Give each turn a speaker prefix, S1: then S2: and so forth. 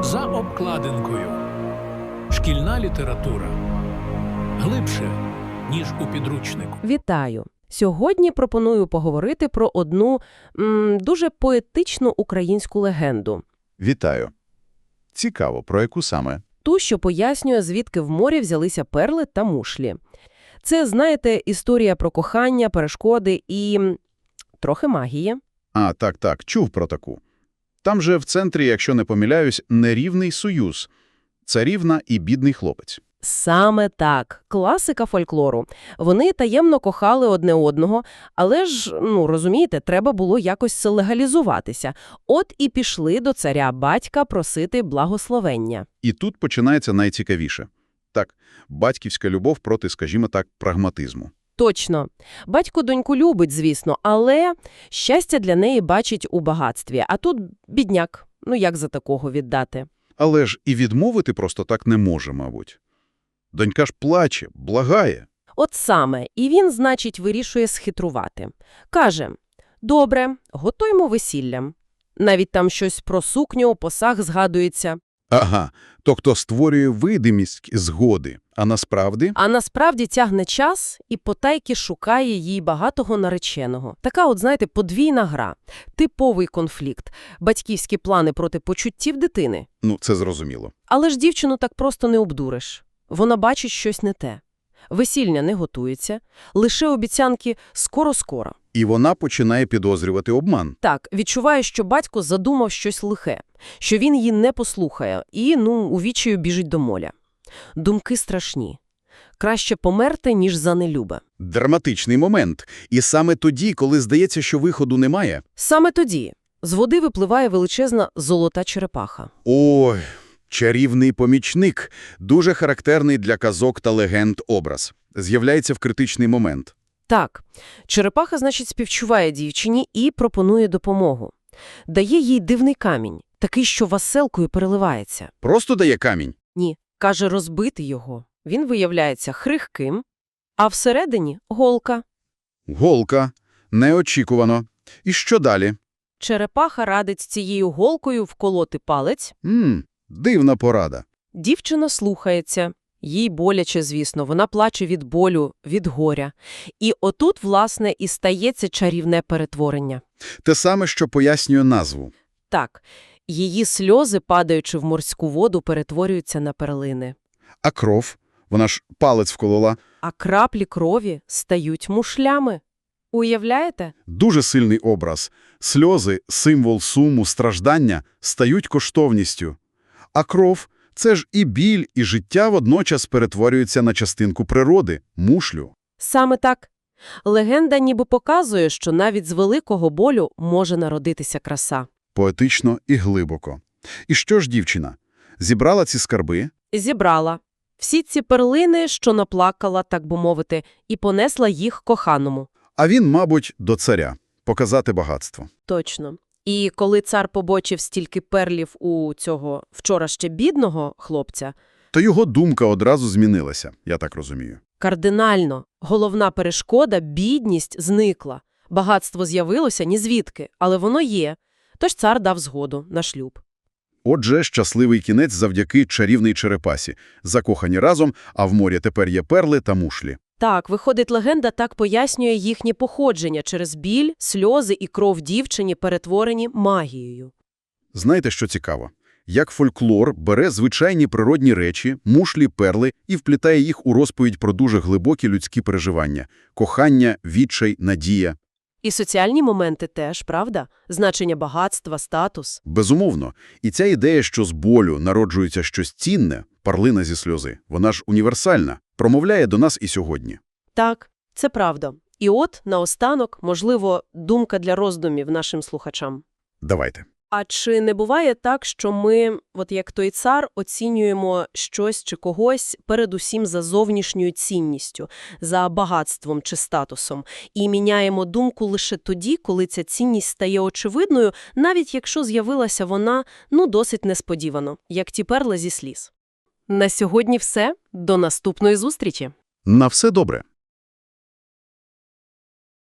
S1: За обкладинкою. Шкільна література. Глибше, ніж у підручнику.
S2: Вітаю! Сьогодні пропоную поговорити про одну дуже поетичну українську легенду.
S3: Вітаю. Цікаво, про яку саме?
S2: Ту, що пояснює, звідки в морі взялися перли та мушлі. Це, знаєте, історія про кохання, перешкоди і трохи магії.
S3: А, так, чув про таку. Там же в центрі, якщо не помиляюсь, нерівний союз. Царівна і бідний хлопець.
S2: Саме так. Класика фольклору. Вони таємно кохали одне одного, але ж, розумієте, треба було якось легалізуватися. От і пішли до царя-батька просити благословення.
S3: І тут починається найцікавіше. Так, батьківська любов проти, скажімо так, прагматизму.
S2: Точно. Батько доньку любить, звісно, але щастя для неї бачить у багатстві. А тут бідняк. Як за такого віддати?
S3: Але ж і відмовити просто так не може, мабуть. Донька ж плаче, благає.
S2: От саме. І він, значить, вирішує схитрувати. Каже: «Добре, готуємо весілля». Навіть там щось про сукню, посаг згадується.
S3: Ага, тобто створює видимість згоди, а насправді?
S2: А насправді тягне час і потайки шукає їй багатого нареченого. Така от, знаєте, подвійна гра. Типовий конфлікт. Батьківські плани проти почуттів дитини.
S3: Це зрозуміло.
S2: Але ж дівчину так просто не обдуриш. Вона бачить щось не те. Весілля не готується, лише обіцянки «скоро-скоро».
S3: І вона починає підозрювати обман.
S2: Так, відчуває, що батько задумав щось лихе, що він її не послухає і, у відчаю біжить до моля. Думки страшні. Краще померти, ніж за нелюбе.
S3: Драматичний момент. І саме тоді, коли здається, що виходу немає.
S2: Саме тоді з води випливає величезна золота черепаха.
S3: Ой, чарівний помічник. Дуже характерний для казок та легенд образ. З'являється в критичний момент.
S2: Так, черепаха, значить, співчуває дівчині і пропонує допомогу. Дає їй дивний камінь, такий, що веселкою переливається.
S3: Просто дає камінь?
S2: Ні, каже розбити його. Він виявляється хрихким, а всередині – голка.
S3: Голка. Неочікувано. І що далі?
S2: Черепаха радить з цією голкою вколоти палець.
S3: Дивна порада.
S2: Дівчина слухається. Їй боляче, звісно, вона плаче від болю, від горя. І отут, власне, і стається чарівне перетворення.
S3: Те саме, що пояснює назву.
S2: Так, її сльози, падаючи в морську воду, перетворюються на перлини.
S3: А кров? Вона ж палець вколола.
S2: А краплі крові стають мушлями. Уявляєте?
S3: Дуже сильний образ. Сльози, символ суму, страждання стають коштовністю. А кров – це ж і біль, і життя водночас перетворюються на частинку природи – мушлю.
S2: Саме так. Легенда ніби показує, що навіть з великого болю може народитися краса.
S3: Поетично і глибоко. І що ж дівчина? Зібрала ці скарби?
S2: Зібрала. Всі ці перлини, що наплакала, так би мовити, і понесла їх коханому.
S3: А він, мабуть, до царя. Показати багатство.
S2: Точно. І коли цар побачив стільки перлів у цього вчора ще бідного хлопця,
S3: То його думка одразу змінилася, я так розумію.
S2: кардинально, головна перешкода – бідність – зникла. Багатство з'явилося нізвідки, але воно є. Тож цар дав згоду на шлюб.
S3: Отже, щасливий кінець завдяки чарівній черепасі. Закохані разом, а в морі тепер є перли та мушлі.
S2: Так, виходить, легенда так пояснює їхнє походження через біль, сльози і кров дівчині, перетворені магією.
S3: Знаєте, що цікаво? Як фольклор бере звичайні природні речі, мушлі, перли і вплітає їх у розповідь про дуже глибокі людські переживання – кохання, відчай, надія.
S2: І соціальні моменти теж, правда? Значення багатства, статус.
S3: Безумовно. І ця ідея, що з болю народжується щось цінне, парлина зі сльози, вона ж універсальна, промовляє до нас і сьогодні.
S2: Так, це правда. І от, наостанок, можливо, думка для роздумів нашим слухачам.
S3: Давайте.
S2: А чи не буває так, що ми, от як той цар, оцінюємо щось чи когось передусім за зовнішньою цінністю, за багатством чи статусом, і міняємо думку лише тоді, коли ця цінність стає очевидною, навіть якщо з'явилася вона, досить несподівано, як ті перли зі сліз. На сьогодні все. До наступної зустрічі!
S3: На все добре.